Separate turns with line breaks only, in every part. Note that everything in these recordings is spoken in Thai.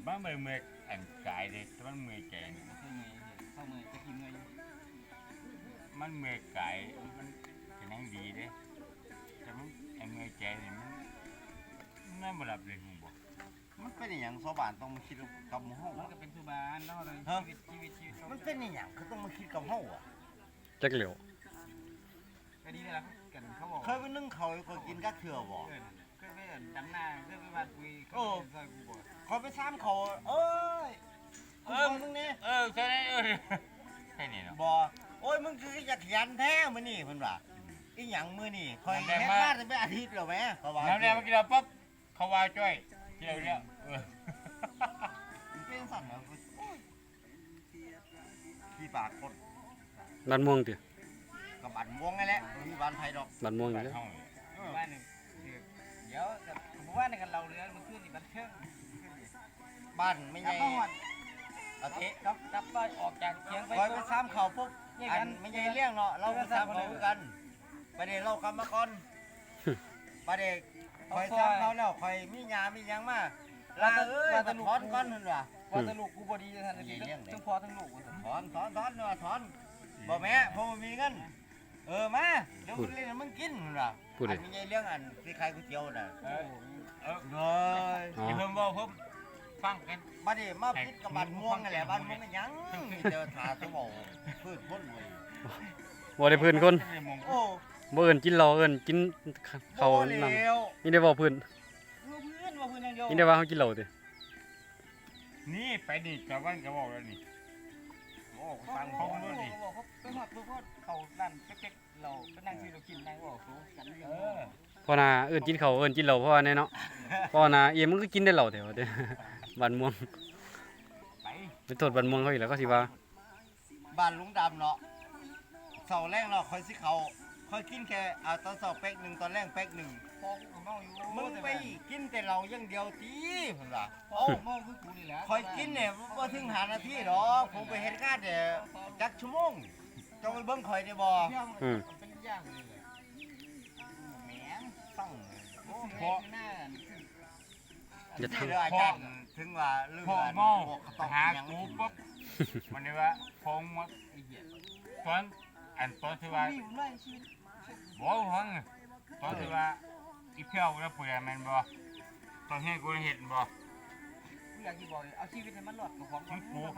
มันไม่เมื่อยอันกายเลยแต่มันเมื่อยใจนี่
เข้าเมื่อยเข้าเมื่อยจะกินเมื่อยอยู่
มันเมื่อยกายมันเป็นยังดีเด้แต่มันไอ้เมื่อยใจนี่มันบ่รับเลยมึงบอก
มันเป็นอย่างชาวบ้านต้องมาคิดกับเฮา
มัน
อะ
ก็เป็นสุบานเนาะเลยชีวิต
มันเป็นอย่างเขาต้องมาคิดกับเฮาอ่ะ
จักเหลียว
ก็ดีเลยล่ะกันเขาบอก
เคยไปนึ่งเขาก็กินกักเถื่อบ่
เคยไปดำนาเคยไปวัดปุยเขาซอยกูบ่
คอยไปซ้ำเขาเอ้ยมึงนี่
ใช่ใช่นี่เนาะ
บ่โอ้ยมึงคืออยากขยันแท้มื้อนี้เพิ่นว่าอีหยังมื้อนี้คอยเฮ็ดมาได้เป็นอาทิตย์แล้วแหมเขาว่า
น้ำแดงมากินเราปั๊บเขาว่าจ้อยเที่ยวเนี่ย
มันเป็นสั่นเหรอโอ้ยขี้ปากคน
บ้านม่วงติ
กับบันม่วงนั่นแหละมีบ้านไผดอก
บ้านม่วงอยู่แล้ว
บ้านหนึ่งเดี๋ยวแต่ผมว่าในกันเราเรือมันขึ้นนี่มันเชิง
บ้านไม่
ก
ให
ลับ
ญ่
มาหอด
เอาเทะ
กลับไปออกจากเชียงไป
คอยไปซ้ำเขาปุ๊บอันไม่ใช่เลี้ยงเนาะเราไปซ้ำเขาคือกันประเดี๋ยวเรากลับมาก่อนประเดี๋ยวคอยซ้ำเขาแล้วคอยมีหยามีหยังมาลาเอ้ยมาถอนก่อนนั่นว่ะ
ว่าแต่ลูกกูบอดีจะทันทีทั้งพ่อทั้งลูก
ถอนเนาะถอนบ่แม่ผมมีเงินมาเดี๋ยวเล่นมึงกินนั่นว่ะ
พูดดิ
อันไม่ใช่เลี้ยงอันที่ขายก๋วยเตี๋ยวน่ะเฮ้ย
อ๋อ
เพิ่มบอกเพิ่มฟังกัน
บัดนี้มาพิษกับบ้านม่วงนั่นแหละบ้านม่วงกันยังมีแต่ถาตัวเบาพืชพ้นเลย
บ่ได้เพื้นคน
โอ้
บ่เอิ้นกินเหล้าเอิ้นกินข้าว
บ่
นำ
แล้ว
นี่ได้บ่เพื้น
ลูกเพื่อนว่าเพื่อนยังเดียว
นี่ได้ว่าเฮากินเหล้าติ
นี่ไปนี่ชาวบ้านก็บอกแล้วนี่
โอ้
ฟังเขาด้วยดิเขาไปหอดตัวเขาดันเก๊กเราไปนั่งซื้อเรากินนั่งบอกเขากันเรื่อง
พอน่ะเอิ้นกินข้าวเอิ้นกินเหล้าพอแน่เนาะพอน่ะเอ็มมันก็กินได้เหล้าแถวเด้ บ้านม่วง
ไป
ไปโทษบ้านม่วงเขาอีกแล้วก็สิว่า
บ้านลุงดำเนาะเสาแรกเนาะคอยสิเขาคอยกินแค่ตอนเสาเป๊กหนึ่งตอนแรกเป๊กหนึ่ง
พอกูเมาอยู่
มึงไปกินแต่เราอย่างเดียวตีเพิ่นว่า
โอ้เมาคือกูนี่แหละ
คอยกินเนี่ยบ่ถึง5 นาทีดอกผมไปเฮ็ดงานเนี่ยจักชั่วโมงเจ้าไปเบิ่งข่อยได้บ่
เป็นย่างเลยแหม
ต้อง
พอหน้า
อย่าทำ
เด้ออาจารย์ถึงว่าเรื่อง
พ่อ
อัน
เมา
พวกเขาต้อง
หา
หยัง
กูปุ๊บมันนี่ว่าพงมา
ไอ้เหี้ย
ตอนตอนที่ว่า
มีอยู่ด้วยชีวิต
บอกฟังตอนที่ว่าอีเพียวแล้วปุ๋ยมันบ่ตอนให้กูเห็นบ่
กูอยากจะบอกเอาชีวิตให้มันหลอดของ
มันกู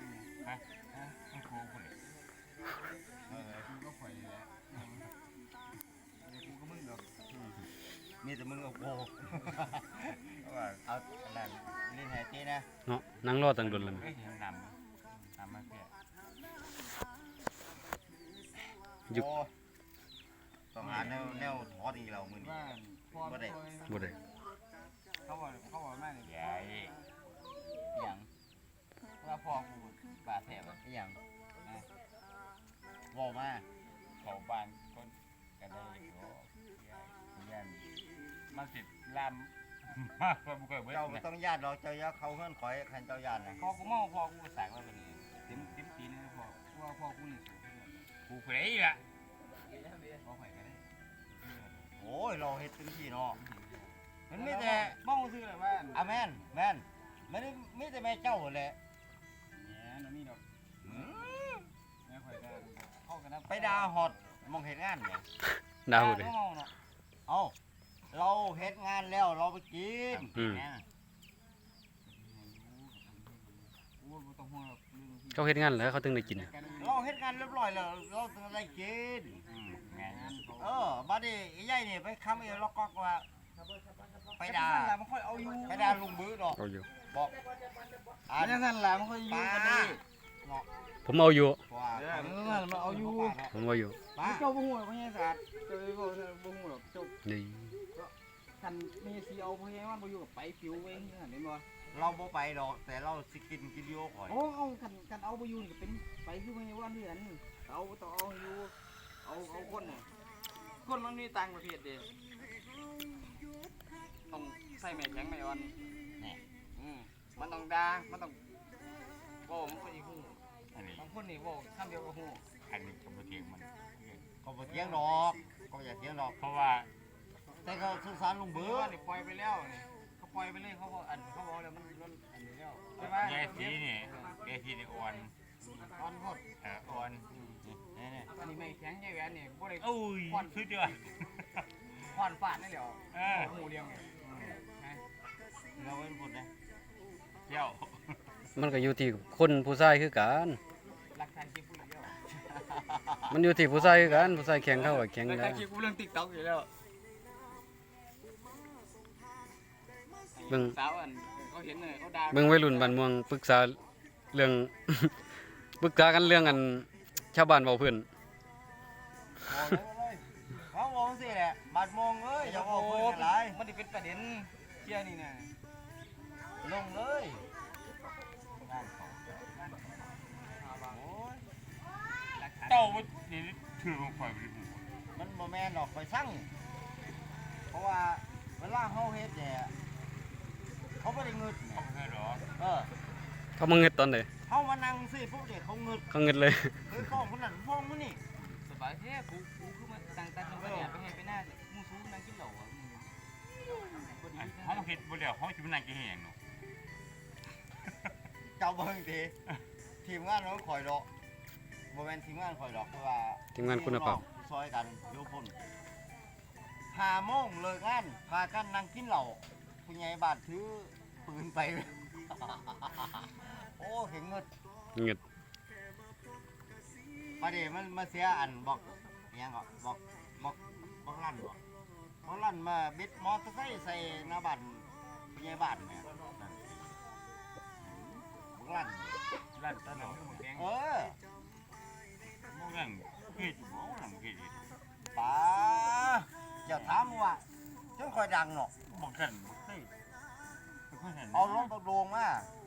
กูเลย
กูก็ข่อยนี่แหละกูก็มึงดอก
มีแต่มึงกับโบว่าเอาอันนั้นเล่นแฮตตี้นะ
เนาะนั่งรอตั้งโดนแล้ว
เฮ้ยนำมาเพี้ย
ยุค
โอ้ต้องหาแนวถอดอีกแล้วมื้อนี้
ว่าพ่อ
บ่ได้
เขาบอกแม่เนี่ย
ใหญ่
อย่างว่าพ่อกูบาดแผลแบบ
อีหยังเว้ามา
เขาบ้านคนก็ได้ก็ยันมาสิลามมากกว่าบุกเบิด
เจ้าบ่ต้องญาติดอกเจ้าอย่าเข้าเฮือนข่อยคันเจ้าญาตินะ
พ่อกูเมาพ่อกูสายว่าเป็นเต็มปีนี่พ่อว่าพ่อกูนี่
กูเคยละ
พ่อข่อยก็ได้
โอ้ยเราเฮ็ดเต็มที่เนาะมันมีแต่
เมาซื้อเลยว่า
อะแม่นมันมีแต่แม่เจ้าแหละ
เนี่ยนั่นนี่ดอก
อืม
แม่ข่อยก็เข้ากันนะ
ไปด่าฮอดมองเฮ็ดงานแหม
ดาวเด้
เมาเนาะ
เอ้าเราเฮ็ดงานแล้วเราไปกิน
อืม
กูบ่ต้องห่วงหรอกเรื่องที่
เขาเฮ็ดงานแล้วเขาถึงได้กินน่ะ
เราเฮ็ดงานเรียบร้อยแล้วเราต้องได้กิน
งาน
บัดนี้ไอ้ใหญ่นี่ไปค้ำไอ้ล็อกก๊อกว่าไปด่า
ล่ะมันค่อยเอาอยู่
ไปด่าลุงบื้อดอก
เอาอยู่
บอกอ่า
อันนั้นล่ะมันค่อยอยู่
ป้า
กันนี่
เนาะ
ผมเอาอยู่
ว่า
มันเอาอยู่
ผมเอาอยู่
ป้า
เจ้าบ่ฮู้บ่ใช่ศาสตร์เจ้าบ่ฮู้หรอกเจ้า
นี่
คันมีสิเอาบ่ให้มันบ่อยู่กับไปฟิวเว้ยเห็นบ่
เราบ่ไปดอกแต่เราสิกินกินโยข่อย
โอ้เอาคันเอาบ่อยู่นี่ก็เป็นไปคือบ่ให้ว่าเดือนเอาต้องเอาอยู่เอาคนน่ะคนมันมีต่างประเทศเด้ต้องใส่แม่แข็งแม่อ่อนนี่มันต้องด่ามันต้องบ่มันค่อยฮู้
อันนี้
บางคนนี่บ่คำเดียวก็ฮู้
อันนี้ก็บ่เทียงมัน
ก็บ่เถียงดอกก็อย่าเถียงดอก
เพราะว่า
แต่เขาสงสารลุง
เบื่
บื้
อ
อ
นี่ปล่อยไปแล้วนี่เขาปล่อยไปเลยเขาบอกอันเขาบอกแล้วมันอันนี้แล้ว
ที่ได้อ่อน
อ่อนโพด
อ่อน
นี่
อันนี้ไม่แข็งใหญ่แหวนนี่บ่ได้
โอ้ยสุดยอด
ควานฟาดได้แล้ว หมูเลี้ยงเนี่ย
เราเป็นบุญนะ
เจ้า
มันก็อยู่ที่คนผู้ชายคือกัน
รักทานคลิปกูเดียว
มันอยู่ที่ผู้ชายคือกันผู้ชายแข็งเข้าก็แข็ง
รัก
แล้
ทาน
ว
คลิปกูเรื่อง TikTok อยู่แล้ว
เบิ่ง
สาวอันเขาเห็นเลยเขาด่า
เบิ่งวัยรุ่นบ้านเมืองปรึกษาเรื่อง ปรึกษากันเรื่องอันชาวบ้านเว้าเพิ่น
เขาบอกสิแหละบาดมองเอ้ยอย่าบอกเพื่อนอะไร
มันได้เป็นประเด็นเที่ยนี่นะ
ลงเลย
เจ้ามันนี่ถือลงไปบ่ได้หู
มันบ่แม่นหรอกไปสั่งเพราะว่าเวลาเฮาเฮ็ดเนี่ยเขาไม่ได้เงิด
เขาบ่เคยหรอก
เออ
เขามาเงิดตอนใด
เฮามานั่งสิพวกเด็กเขาเงิด
เขาเงิดเลย
เฮ้ยฟ้องคนนั้นฟ้องคนนี้
สบายแท้กูคือมาตั้งตาทำประเดี๋ยวไปให้ไปหน้ามูซูนั่งกินเหล้าอ่ะบ่ดี
เฮาเฮ็ดบ่แล้วเฮาสิมานั่งกินเฮ็ดหยังเนาะ
เจ้าเบิ่งทีทีมงานเราคอยดอกบ่แม่นทีมงานคอยดอกเพราะว่า
ทีมงานคุณภาพ
ซอยกันอยู่พุ่น5 โมงเลิกงานพากันนั่งกินเหล้าผู้ใหญ่บ้านถือปืนไป โอ้เห็นเงิด
เงิด
ประเดี๋ยวมันมาเสียอันบอกอิหยังก็บอกลั่นบอกลั่นมาบิดมอเตอร์ไซค์ใส่หน้าบ้านผู้ใหญ่บ้านเนี่ยบอกลั่น
ร้านตะหนอหมูแดง
เออ
บ่นั่งเฮ็ดบ่นั่งเฮ็ด
ป๋าอย่าถามว่าจนคอยดังเนาะ
บ่กันบ่เคยบ่เคยเห็น
เอาลงตะโดงมา